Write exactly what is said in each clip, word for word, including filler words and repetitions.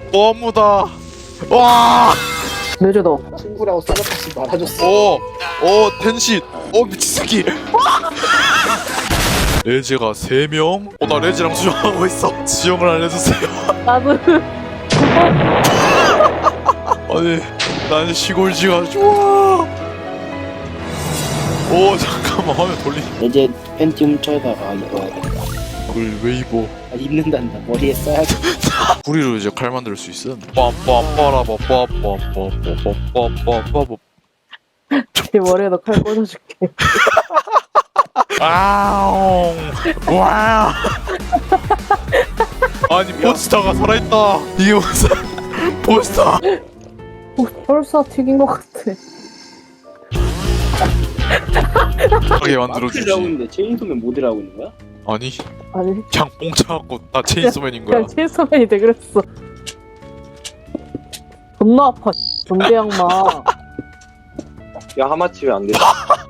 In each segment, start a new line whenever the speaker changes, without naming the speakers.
너무다. 와.
내줘도
친구라고 써놓지 말아줬어.
오, 오, 텐시. 오, 미친 새끼. 레즈가 세 명? 어, 나 레즈랑 수영하고 있어. 지형을 알려주세요.
나도
아니, 난 시골지가 좋아. 오, 잠깐만, 화면 돌리.
이제 팬티 훔쳐다가 입어야겠다.
그걸 왜 입어?
아, 입는단다. 머리에 써야지.
구리로 이제 칼 만들 수 있어. 빰빰빠라빠빠빠빠빠빠빠빠빠.
네 머리에다 칼 꽂아줄게.
아웅. 와. 아니 포스터가 살아있다. 이게 무슨 포스터?
어, 벌써 튀긴 것 같아.
하게 만들어주지.
마크를 하고 있는데 체인소맨 모드를 하고 있는 거야?
아니
아니
그냥 뽕 차갖고 나 체인소맨인 거야.
그냥 체인소맨이 돼 그랬어. 존나 아파. 존대 양마.
야 하마치 왜 안 돼?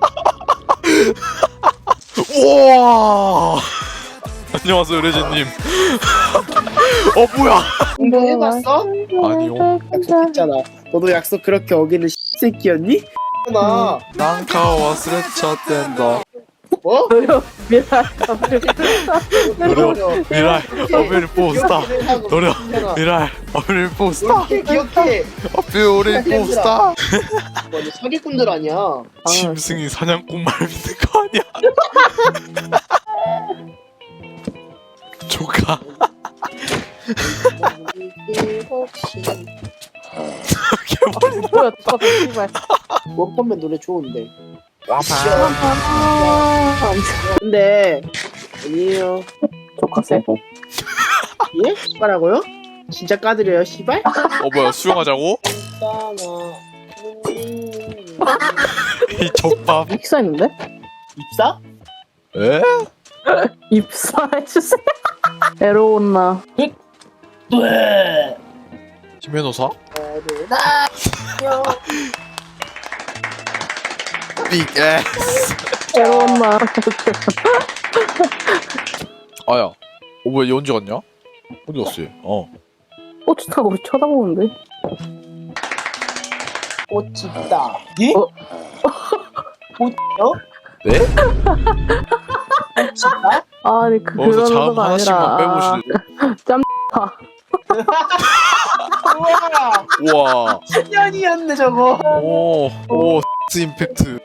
우와. 안녕하세요 레제님. 어 뭐야?
공부 해봤어?
아니요.
약속했잖아. 너도 약속 그렇게 어기는 새끼였니? 나
난카와 스레차된다.
뭐?
노력 미라 감정.
노력 미랄 어빌 포스타. 노력 미랄 어빌 포스타.
기억해 기억해.
어빌 포스타.
완전 사기꾼들 아니야.
짐승이 사냥꾼 말 믿는 거 아니야? 조카. 개머리.
뭐야 똑같아 씨발.
원펀맨 노래 좋은데.
아,
근데 아니에요.
조카 세.
예? 뭐라고요? 진짜 까드려요, 시발?
어 뭐야 수영하자고? 이 족밥.
입사했는데?
입사?
에?
입사해주세요. 에로온나.
네.
히메노사? 빅 에스.
에로온나.
아야. 어 뭐야 얘 언제 갔냐? 어디 갔어 얘? 어.
꽃이 타고 쳐다보는데.
꽃 있다. 예?
어?
꽃요?
네?
꽃 있다?
아니 그
거기서
그런
자음
거가
하나씩만
아니라.
빼보시는.
우와!
우와.
년이었네 저거.
오. 오. X 임팩트.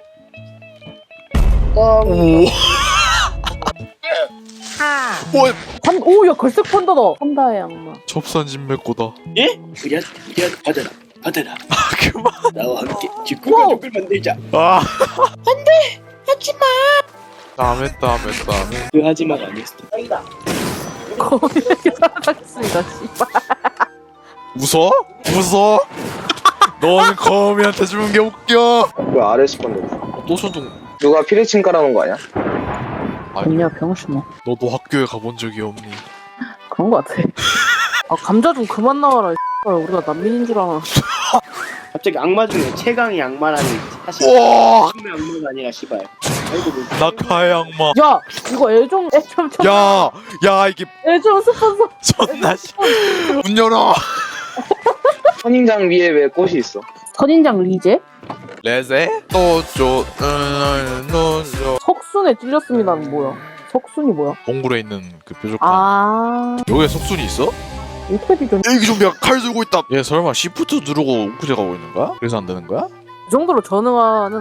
어,
오. 오.
판, 오, 야, 걸색 판다다. 판다의 악마.
접산 진맥고다.
예? 그냥 그냥 받아라 받아라.
아 그만.
나와 함께 직구가족을 만들자.
아. 안돼. 하지마. 다음에 다음에 다음에.
그 하지마가 아니었어. 아니다.
거미에게 살아가겠습니다, 씨발.
웃어? 웃어? 너는 거미한테 주는 게 웃겨.
왜 아래 스폰데?
또 소동.
누가 피리친 깔아놓은 거 아니야?
아니야, 병신아.
너도 학교에 가본 적이 없니?
그런 거 같아. 아, 감자 좀 그만 나와라, 씨발. 우리가 난민인 줄 알아.
갑자기 악마 중에 최강의 악마라는 사실
와.
처음의 악마가 아니라 시발. 아이고 뭐.
낙하의 악마.
야, 이거 애좀, 애좀, 좀.
야, 야 이게
애좀 스폰서.
존나 씨. 문 열어.
선인장 위에 왜 꽃이 있어?
선인장 리제?
레제 또쪼 노노
석순에 찔렸습니다는 뭐야? 석순이 뭐야?
동굴에 있는 그 뾰족한.
아,
여기에 석순이 있어?
인테리전.
여기 좀비가 칼 들고 있다. 얘 설마 시프트 누르고 우크제 가고 있는 거야? 그래서 안 되는 거야?
이 정도로 전응하는.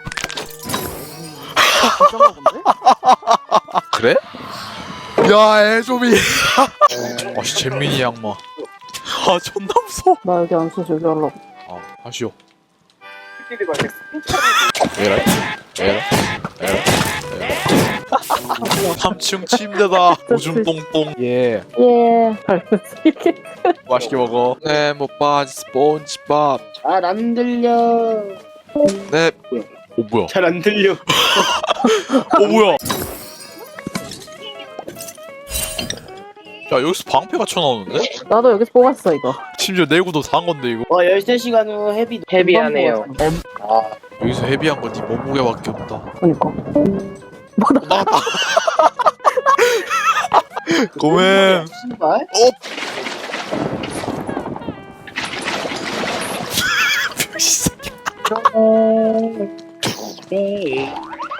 진짜가 본데?
그래? 야, 애좀이. 아씨, 잼민이 양마. 아, 존나 무서워.
나 여기 안 써, 저기 하려고.
아, 하시오. 에라, 에라, 에라, 에라. 삼 층 침대다. 오줌 똥똥. 예.
예. 이렇게.
맛있게 먹어. 네, 못 빠지 스폰지밥.
잘 안 들려.
네. 오 뭐야?
잘 안 들려.
오 뭐야? 야 여기서 방패가 쳐나오는데?
나도 여기서 뽑았어, 이거.
심지어 내구도 다 한 건데 이거.
와 열세 시간 후 헤비.
헤비하네요.
아
여기서 헤비한 건 네 몸무게밖에 없다.
그니까. 뭐, 나,
나갔다. 고멘.
신발?
어?
네.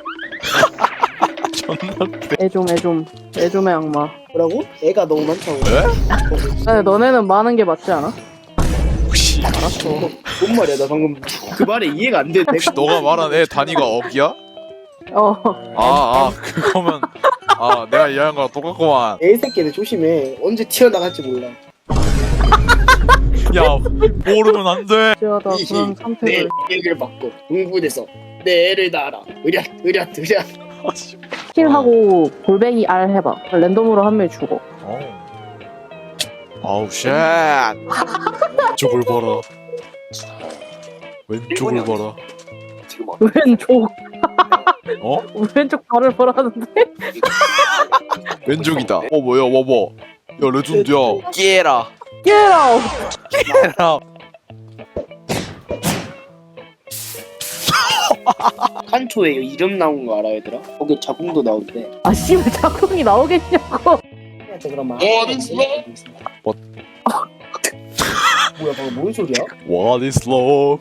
존나
애좀 애좀 애좀의 악마.
뭐라고? 애가 너무 많다고.
왜?
근데 너네는 많은 게 맞지 않아?
혹시
알았어.
뭔 말이야? 나 방금 그 말에 이해가 안 돼.
혹시 너가 말한 애 단위가 억이야?
어.
아아 그거면 아 내가 이해한 거랑 똑같구만.
애 새끼들 조심해. 언제 튀어나갈지 몰라.
야 모르면 안돼.
지하다 그런
내
선택을.
얘기를 받고 흥분해서 내 애를 낳아라. 으랴 으랴 으랴.
킬하고 골뱅이 알 해봐. 랜덤으로 한 명 죽어.
아우 쉣. 왼쪽을 봐라. 왼쪽을 봐라.
지금 어-
왼쪽
어?
왼쪽 발을 보라는데?
왼쪽이다. 어 뭐야 와봐. 야 레전드야. 깨라.
깨라.
깨라.
칸초에 이름 나온 거 알아 얘들아? 거기 자궁도 나온대.
아 씨발 작품이 나오겠냐고.
해야지 그러면.
What is love?
What?
뭐야 방금 뭔 소리야?
What is love?